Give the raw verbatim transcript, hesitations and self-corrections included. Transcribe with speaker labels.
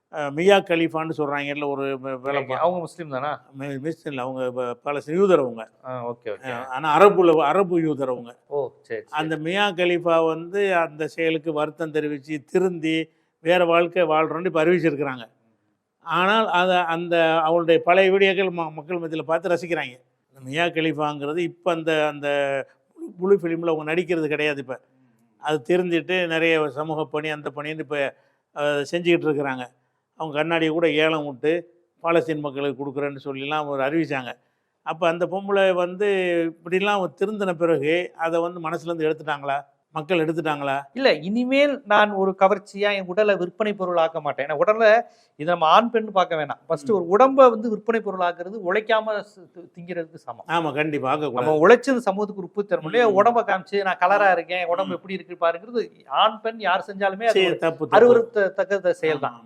Speaker 1: மியா கலீஃபான்னு சொல்கிறாங்கல்ல ஒரு வேலை.
Speaker 2: அவங்க முஸ்லீம் தானா?
Speaker 1: முஸ்லீம் இல்லை, அவங்க பல யூதர் அவங்க.
Speaker 2: Okay okay.
Speaker 1: ஆனால் அரபுல அரபு யூதர் அவங்க.
Speaker 2: ஓ சரி.
Speaker 1: அந்த மியா கலீஃபா வந்து அந்த செயலுக்கு வருத்தம் தெரிவித்து திருந்தி வேறு வாழ்க்கை வாழ்கிறோன்னு இப்போ அறிவிச்சிருக்கிறாங்க. ஆனால் அதை அந்த அவங்களுடைய பழைய வீடியோக்கள் ம மக்கள் மத்தியில் பார்த்து ரசிக்கிறாங்க. இந்த மியா கலீஃபாங்கிறது இப்போ அந்த அந்த முழு ஃபிலிமில் அவங்க நடிக்கிறது கிடையாது. இப்போ அது திருந்திட்டு நிறைய சமூக பணி அந்த பணின்னு இப்போ செஞ்சுக்கிட்டு இருக்கிறாங்க. அவங்க கண்ணாடியை கூட ஏலம் விட்டு பாலஸ்தீன் மக்களுக்கு கொடுக்குறேன்னு சொல்லிலாம் ஒரு அறிவித்தாங்க. அப்போ அந்த பொம்பளை வந்து இப்படிலாம் திருந்தின பிறகு அதை வந்து மனசுலேருந்து எடுத்துட்டாங்களா? மக்கள் எடுத்துட்டாங்களா?
Speaker 2: இல்லை, இனிமேல் நான் ஒரு கவர்ச்சியாக என் உடலை விற்பனை பொருள் ஆக்க மாட்டேன். ஏன்னா உடலை இதை நம்ம ஆண் பெண் பார்க்க வேணாம். ஃபர்ஸ்ட் ஒரு உடம்பை வந்து விற்பனை பொருள் ஆக்குறது உழைக்காம திங்கிறதுக்கு சமம்.
Speaker 1: ஆமாம், கண்டிப்பாக.
Speaker 2: நம்ம உழைச்சது சமூகத்துக்கு உப்பு தரும் இல்லையா? உடம்பை காமிச்சு நான் கலராக இருக்கேன், உடம்பு எப்படி இருக்கு பாருங்கிறது ஆண் பெண் யார் செஞ்சாலுமே அது
Speaker 1: தப்பு
Speaker 2: அருவருத்தத்தக்க செயல் தான்.